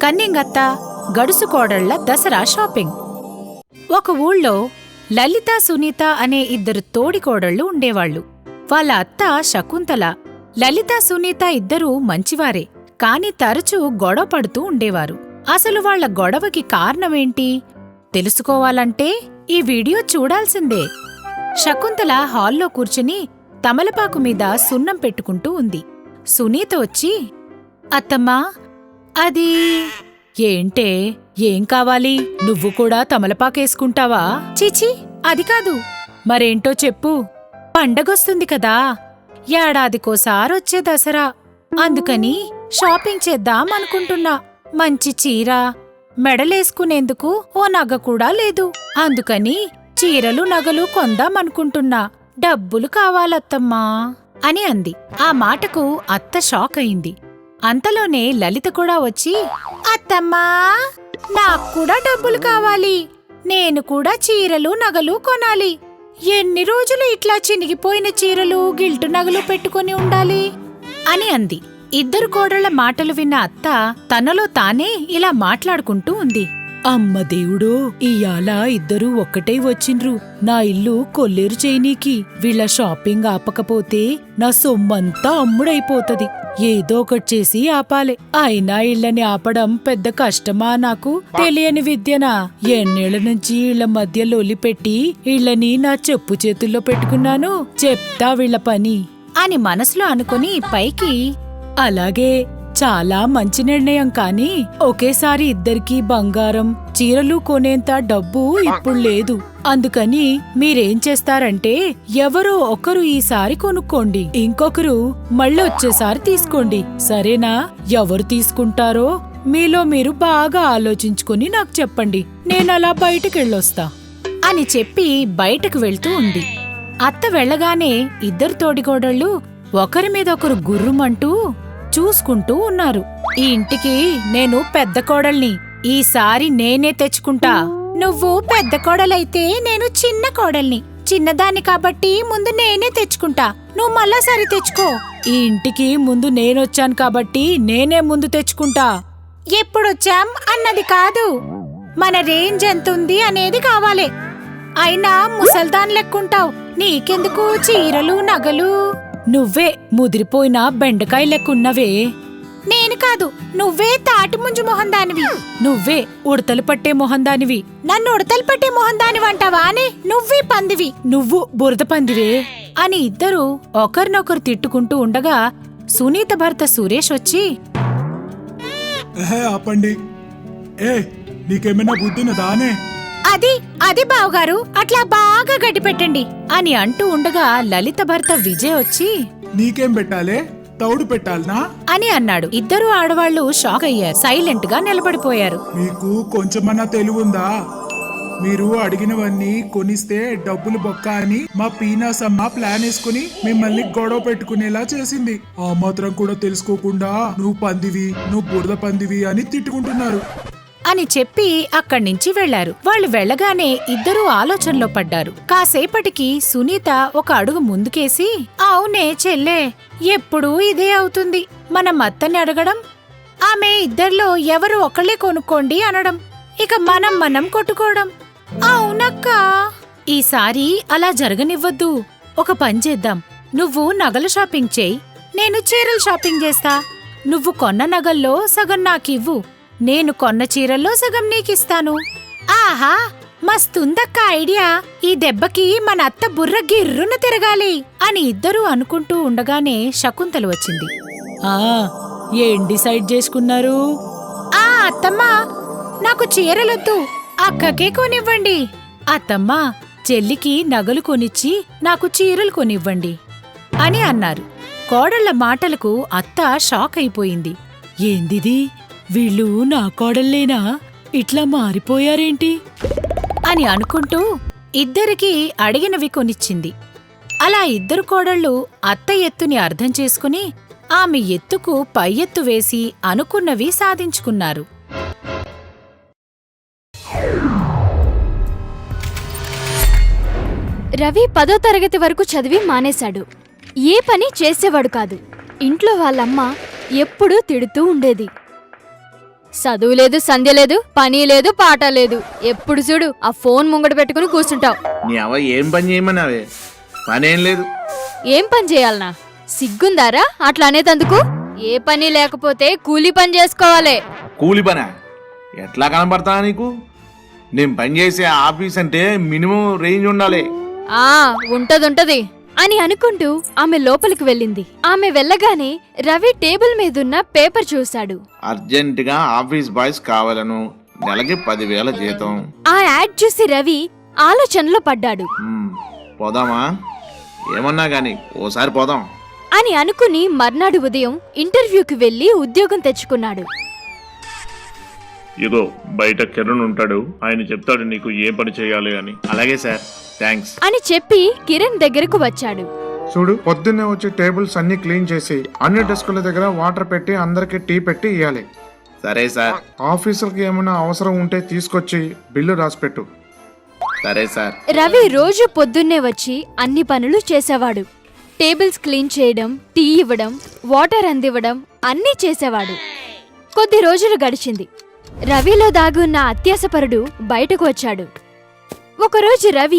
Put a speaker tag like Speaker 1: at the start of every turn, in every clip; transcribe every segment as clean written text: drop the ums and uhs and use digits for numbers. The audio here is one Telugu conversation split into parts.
Speaker 1: కన్నింగత్త గడుసు కోడళ్ల దసరా షాపింగ్. ఒక ఊళ్ళో లలిత, సునీత అనే ఇద్దరు తోడికోడళ్లు ఉండేవాళ్లు. వాళ్ళ అత్త శకుంతల. లలిత, సునీత ఇద్దరూ మంచివారే, కాని తరచూ గొడవ పడుతూ ఉండేవారు. అసలు వాళ్ల గొడవకి కారణమేంటి తెలుసుకోవాలంటే ఈ వీడియో చూడాల్సిందే. శకుంతల హాల్లో కూర్చుని తమలపాకు మీద సున్నం పెట్టుకుంటూ ఉంది. సునీత వచ్చి, అత్తమ్మా, అది ఏంటే, ఏం కావాలి? నువ్వు కూడా తమలపాకేసుకుంటావా? చీచి, అది కాదు. మరేంటో చెప్పు. పండగొస్తుంది కదా, ఏడాదికోసారొచ్చే దసరా. అందుకని షాపింగ్ చేద్దాం అనుకుంటున్నా. మంచి చీర, మెడలేసుకునేందుకు ఓ నగ కూడా లేదు. అందుకని చీరలు, నగలు కొందామనుకుంటున్నా. డబ్బులు కావాలత్తమ్మా అని అంది. ఆ మాటకు అత్త షాక్ అయింది. అంతలోనే లలిత కూడా వచ్చి, అత్తమ్మా, నాక్కూడా డబ్బులు కావాలి. నేను కూడా చీరలు, నగలు కొనాలి. ఎన్ని రోజులు ఇట్లా చినిగిపోయిన చీరలు, గిల్టు నగలు పెట్టుకుని ఉండాలి అని అంది. ఇద్దరు కోడళ్ల మాటలు విన్న అత్త తనలో తానే ఇలా మాట్లాడుకుంటూ ఉంది. అమ్మ దేవుడో, ఇయాల ఇద్దరూ ఒక్కటే వచ్చిండ్రు నా ఇల్లు కొల్లేరు చేయనీకి. వీళ్ళ షాపింగ్ ఆపకపోతే నా సొమ్మంతా అమ్ముడైపోతది. ఏదో ఒకటి చేసి ఆపాలే. అయినా ఇళ్ళని ఆపడం పెద్ద కష్టమా? నాకు తెలియని విద్యనా? ఎన్నేళ్ల నుంచి ఇళ్ల మధ్య లొలిపెట్టి ఇళ్ళని నా చెప్పు చేతుల్లో పెట్టుకున్నాను. చెప్తా వీళ్ల పని అని మనసులో అనుకుని పైకి, అలాగే, చాలా మంచి నిర్ణయం. కాని ఒకేసారి ఇద్దరికీ బంగారం, చీరలు కొనేంత డబ్బు ఇప్పుడు లేదు. అందుకని మీరేం చేస్తారంటే, ఎవరో ఒకరు ఈసారి కొనుక్కోండి, ఇంకొకరు మళ్ళొచ్చేసారి తీసుకోండి. సరేనా? ఎవరు తీసుకుంటారో మీలో మీరు బాగా ఆలోచించుకుని నాకు చెప్పండి. నేనలా బయటకెళ్ళొస్తా అని చెప్పి బయటకు వెళ్తూ ఉంది. అత్త వెళ్ళగానే ఇద్దరు తోడికోడళ్ళు ఒకరి మీద ఒకరు గుర్రుమంటూ చూసుకుంటూ ఉన్నారు. ఈ ఇంటికి నేను పెద్ద కోడల్ని, ఈసారి నేనే తెచ్చుకుంటా. నువ్వు పెద్ద కోడలైతే నేను చిన్న కోడల్ని. చిన్నదాన్ని కాబట్టి ముందు నేనే తెచ్చుకుంటా. నువ్వు మళ్ళా సరి తెచ్చుకో. ఈ ఇంటికి ముందు నేనొచ్చాను కాబట్టి నేనే ముందు తెచ్చుకుంటా. ఎప్పుడొచ్చాం అన్నది కాదు, మన రేంజ్ ఎంతుంది అనేది కావాలి. అయినా ముసల్దాన్ లెక్కుంటావు. నీకెందుకు చీరలు, నగలు? నువ్వే ముదిరిపోయిన బెండకాయ లెక్కున్నవే. నేను కాదు, నువ్వే తాటి ముంజు మొహందానివి. నువ్వే ఉడతలు పట్టే మొహందానివి. నన్ను ఉడతలు పట్టే మొహందానివంటావా అని? నువ్వే పందివి. నువ్వు బురద పందివే అని ఇద్దరు ఒకరినొకరు తిట్టుకుంటూ ఉండగా సునీత భర్త సురేష్ వచ్చి,
Speaker 2: ఆపండి. నీకేమైనా బుద్ధినదానే?
Speaker 1: అది బావగారు, అట్లా బాగా గడ్డి పెట్టండి అని అంటూ ఉండగా లలిత భర్త విజయ్ వచ్చి,
Speaker 2: నీకేం పెట్టాలే? తౌడు పెట్టాలనా
Speaker 1: అని అన్నాడు. ఇద్దరు ఆడవాళ్లు షాక్ అయ్యారు. సైలెంట్ గా నిలబడిపోయారు.
Speaker 2: మీకు కొంచెమన్నా తెలివుందా? మీరు అడిగినవన్నీ కొనిస్తే డబ్బులు బొక్క అని మా పీనాసమ్మ ప్లాన్ వేసుకుని మిమ్మల్ని గొడవ పెట్టుకునేలా చేసింది. ఆ మాత్రం కూడా తెలుసుకోకుండా నువ్వు పందివి, నువ్వు బురద పందివి అని తిట్టుకుంటున్నారు
Speaker 1: అని చెప్పి అక్కడ్నించి వెళ్లారు. వాళ్ళు వెళ్లగానే ఇద్దరూ ఆలోచనలో పడ్డారు. కాసేపటికి సునీత ఒక అడుగు ముందుకేసి, అవునే చెల్లే, ఎప్పుడూ ఇదే అవుతుంది. మనం అత్తని అడగడం, ఆమె ఇద్దర్లో ఎవరు ఒకళ్ళే కొనుక్కోండి అనడం, ఇక మనం కొట్టుకోవడం. అవునక్కా, ఈసారి అలా జరగనివ్వద్దు. ఒక పని చేద్దాం. నువ్వు నగల షాపింగ్ చేయి, నేను చీరల షాపింగ్ చేస్తా. నువ్వు కొన్న నగల్లో సగం నాకివ్వు, నేను కొన్న చీరల్లో సగం నీకిస్తాను. ఆహా, మస్తుందక్క ఐడియా. ఈ దెబ్బకి మన అత్త బుర్ర గిర్రున తిరగాలి అని ఇద్దరూ అనుకుంటూ ఉండగానే శకుంతల వచ్చింది. ఏం డిసైడ్ చేసుకున్నారు? అత్తమ్మా, నాకు చీరలొద్దు, అక్కకే కొనివ్వండి. అత్తమ్మా, చెల్లికి నగలు కొనిచ్చి నాకు చీరలు కొనివ్వండి అని అన్నారు. కోడళ్ల మాటలకు అత్త షాక్ అయిపోయింది. ఏందిది, వీళ్ళు నా కోడల్లేనా? ఇట్లా మారిపోయారేంటి అని అనుకుంటూ ఇద్దరికీ అడిగినవి కొనిచ్చింది. అలా ఇద్దరు కోడళ్ళు అత్త ఎత్తుని అర్థం చేసుకుని ఆమె ఎత్తుకు పై ఎత్తు వేసి అనుకున్నవి సాధించుకున్నారు.
Speaker 3: రవి 10వ తరగతి వరకు చదివి మానేశాడు. ఏ పని చేసేవాడు కాదు. ఇంట్లో వాళ్ళమ్మ ఎప్పుడూ తిడుతూ ఉండేది. చదువు లేదు, సంధ్య లేదు, పని లేదు, పాట లేదు. ఎప్పుడు చూడు ఆ ఫోన్ ముంగట పెట్టుకుని కూర్చుంటావు.
Speaker 4: నీ అవ్వ ఏం పని చేయమన్నావే? పనేం లేదు.
Speaker 3: ఏం పని చేయాలనా? సిగ్గుందారా అట్లా అనేతందుకు? ఏ పని లేకపోతే కూలీ పని చేసుకోవాలి.
Speaker 4: కూలి పనా? ఎట్లా కనబడతా నీకు? నేను పని చేసే ఆఫీస్ అంటే మినిమం రేంజ్ ఉండాలి.
Speaker 3: ఆ ఉంటదుంటది అని అనుకుంటూ ఆమె లోపలికి వెళ్ళింది. ఆమె వెళ్ళగానే రవి టేబుల్ మీదున్న పేపర్ చూశాడు.
Speaker 4: అర్జెంటుగా ఆఫీస్ బాయ్స్ కావాలను, నెలకి 10,000 జీతం.
Speaker 3: ఆ యాడ్ చూసి రవి ఆలోచనలో పడ్డాడు.
Speaker 4: పోదామా? ఏమన్నా గాని ఓసారి పోదాం
Speaker 3: అని అనుకుని మర్నాడు ఉదయం ఇంటర్వ్యూకి వెళ్లి ఉద్యోగం తెచ్చుకున్నాడు.
Speaker 5: ఇగో బయట కిరణ్ ఉంటాడు, ఆయన చెప్తాడు నీకు ఏ పని చేయాలి అని.
Speaker 4: అలాగే సార్, థ్యాంక్స్
Speaker 3: అని చెప్పి కిరణ్ దగ్గరకు వచ్చాడు.
Speaker 6: చూడు, పొద్దున్నే వచ్చి టేబుల్స్ అన్ని క్లీన్ చేసి అన్ని డెస్కుల దగ్గర వాటర్ పెట్టి అందరికి టీ పెట్టి ఇవ్వాలి.
Speaker 4: సరే సార్.
Speaker 6: ఆఫీసులకి ఏమైనా అవసరం ఉంటే తీసుకొచ్చి బిల్లు రాసిపెట్టు.
Speaker 4: సరే సార్.
Speaker 3: రవి రోజు పొద్దున్నే వచ్చి అన్ని పనులు చేసేవాడు. టేబుల్స్ క్లీన్ చేయడం, టీ ఇవ్వడం, వాటర్ అందివ్వడం అన్నీ చేసేవాడు. కొద్ది రోజులు గడిచింది. రవిలో దాగున్న అత్యాసపరుడు బయటకు వచ్చాడు. ఒకరోజు రవి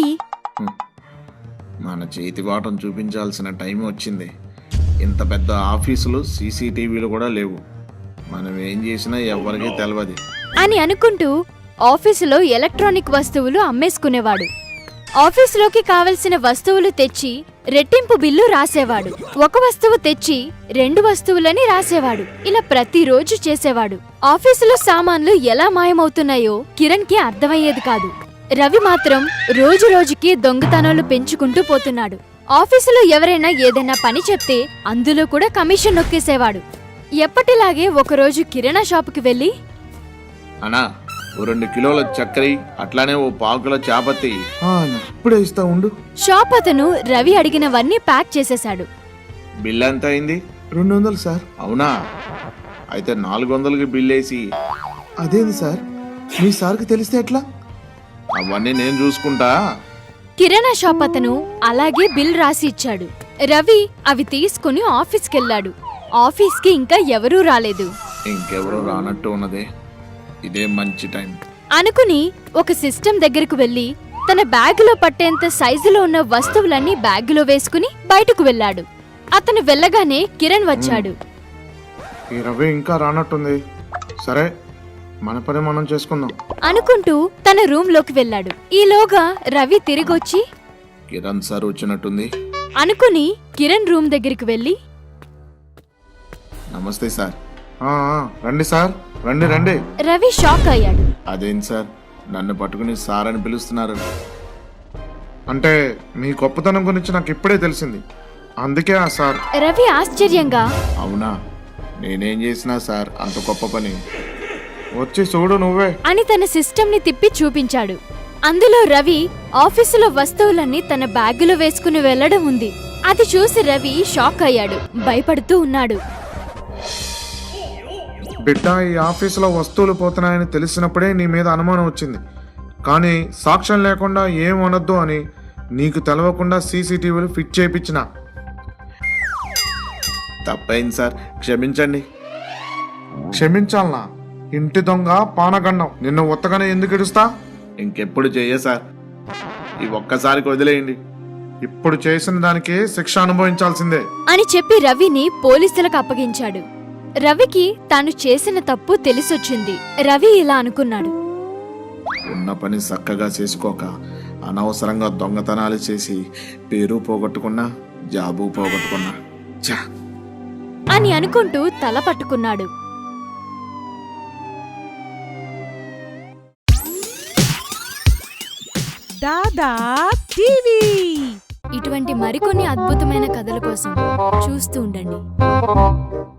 Speaker 4: మన చేతి వాటం చూపించాల్సిన టైం వచ్చింది. ఇంత పెద్ద ఆఫీసులు సీసీటీవీలు కూడా లేవు. మనం ఏం చేసినా ఎవరికీ తెలియదు
Speaker 3: అని అనుకుంటూ ఆఫీసులో ఎలక్ట్రానిక్ వస్తువులు అమ్మేసుకునేవాడు. ఆఫీసులోకి కావలసిన వస్తువులు తెచ్చి రెట్టింపు బిల్లు రాసేవాడు. ఒక వస్తువు తెచ్చి 2 వస్తువులని రాసేవాడు. ఇలా ప్రతిరోజు చేసేవాడు. ఆఫీసులో సామాన్లు ఎలా మాయమవుతున్నాయో కిరణ్ కి అర్థమయ్యేది కాదు. రవి మాత్రం రోజు రోజుకి దొంగతనాలు పెంచుకుంటూ పోతున్నాడు. ఆఫీసులో ఎవరైనా ఏదైనా పని చెప్తే అందులో కూడా కమిషన్ నొక్కేసేవాడు. ఎప్పటిలాగే ఒకరోజు కిరాణా షాపుకి వెళ్లి,
Speaker 4: అన్నా ఓ 2 కిలోల చక్కెర, అట్లానే ఓ 1/4 కిలో చాపత్తి.
Speaker 6: ఇప్పుడే ఇస్తా ఉండు.
Speaker 3: షాప్ అతను రవి అడిగినవన్నీ ప్యాక్ చేసేశాడు.
Speaker 4: బిల్ ఎంత అయింది?
Speaker 6: 200 సార్.
Speaker 4: అవునా? అయితే 400కి బిల్ వేసి.
Speaker 6: అదేంది సార్, మీ సార్కి తెలిస్తే ఎట్లా?
Speaker 4: అవన్నీ నేను చూసుకుంటా.
Speaker 3: కిరాణా షాప్ అతను అలాగే బిల్ రాసి ఇచ్చాడు. రవి అవి తీసుకుని ఆఫీస్కెళ్ళాడు. ఆఫీస్కి ఇంకా ఎవరూ రాలేదు.
Speaker 4: ఇంకెవరూ రానట్టు ఉన్నదే, ఇదే మంచి టైం
Speaker 3: అనుకుని ఒక సిస్టమ్ దగ్గరకు వెళ్లి తన బ్యాగులో పట్టేంత సైజులో ఉన్న వస్తువులన్నీ బ్యాగులో వేసుకుని బయటకు వెళ్ళాడు. అతను వెళ్ళగానే కిరణ్ వచ్చాడు.
Speaker 6: ఈ రవి ఇంకా రానట్టుంది. సరే, మన పని మనం చేసుకుందాం
Speaker 3: అనుకుంటూ తన రూమ్ లోకి వెళ్ళాడు. ఈలోగా రవి తిరిగొచ్చి
Speaker 4: కిరణ్ సార్ వచ్చినట్టుంది
Speaker 3: అనుకుని కిరణ్ రూమ్ దగ్గరికి వెళ్లి,
Speaker 4: నమస్తే సార్.
Speaker 6: రండి సార్, రండి రండి.
Speaker 3: రవి షాక్ అయ్యాడు.
Speaker 4: అదేంటి సార్ నన్ను పట్టుకుని సార్ అని పిలుస్తున్నారు?
Speaker 6: అంటే మీ గొప్పతనం గురించి నాకు ఇప్పుడే తెలిసింది, అందుకే ఆ సార్.
Speaker 3: రవి ఆశ్చర్యంగా,
Speaker 4: అవునా? నేనేం చేసినా సార్ అంత గొప్ప పని?
Speaker 6: వచ్చి చూడు నువ్వే
Speaker 3: అని తన సిస్టమ్ ని తిప్పి చూపించాడు. అందులో రవి ఆఫీసులో వస్తువులన్నీ తన బ్యాగులో వేసుకుని వెళ్లడం ఉంది. అది చూసి రవి షాక్ అయ్యాడు, భయపడుతూ ఉన్నాడు.
Speaker 6: బిడ్డ, ఈ ఆఫీసులో వస్తువులు పోతున్నాయని తెలిసినప్పుడే నీ మీద అనుమానం వచ్చింది. కానీ సాక్ష్యం లేకుండా ఏం అనొద్దు అని నీకు తెలవకుండా సీసీటీవీలు ఫిట్ చేయించిన.
Speaker 4: తప్పైంది సార్, క్షమించండి.
Speaker 6: క్షమించాలనా? ఇంటి దొంగ, పానగండం, నిన్ను ఉత్తగానే ఎందుకు ఇడుస్తా?
Speaker 4: ఇంకెప్పుడు చెయ్య సార్, ఈ ఒక్కసారికి వదిలేయండి.
Speaker 6: ఇప్పుడు చేసిన దానికి శిక్ష అనుభవించాల్సిందే
Speaker 3: అని చెప్పి రవిని పోలీసులకు అప్పగించాడు. రవికి తాను చేసిన తప్పు తెలిసొచ్చింది. రవి ఇలా అనుకున్నాడు,
Speaker 4: ఉన్న పని చక్కగా చేసుకోక అనవసరంగా దొంగతనాలు చేసి పేరు పోగొట్టుకున్నా, జాబు పోగొట్టుకున్నా చా
Speaker 3: అని అనుకుంటూ తల పట్టుకున్నాడు.
Speaker 7: దాదా టీవీ
Speaker 3: ఇటువంటి మరికొన్ని అద్భుతమైన కథల కోసం చూస్తూ ఉండండి.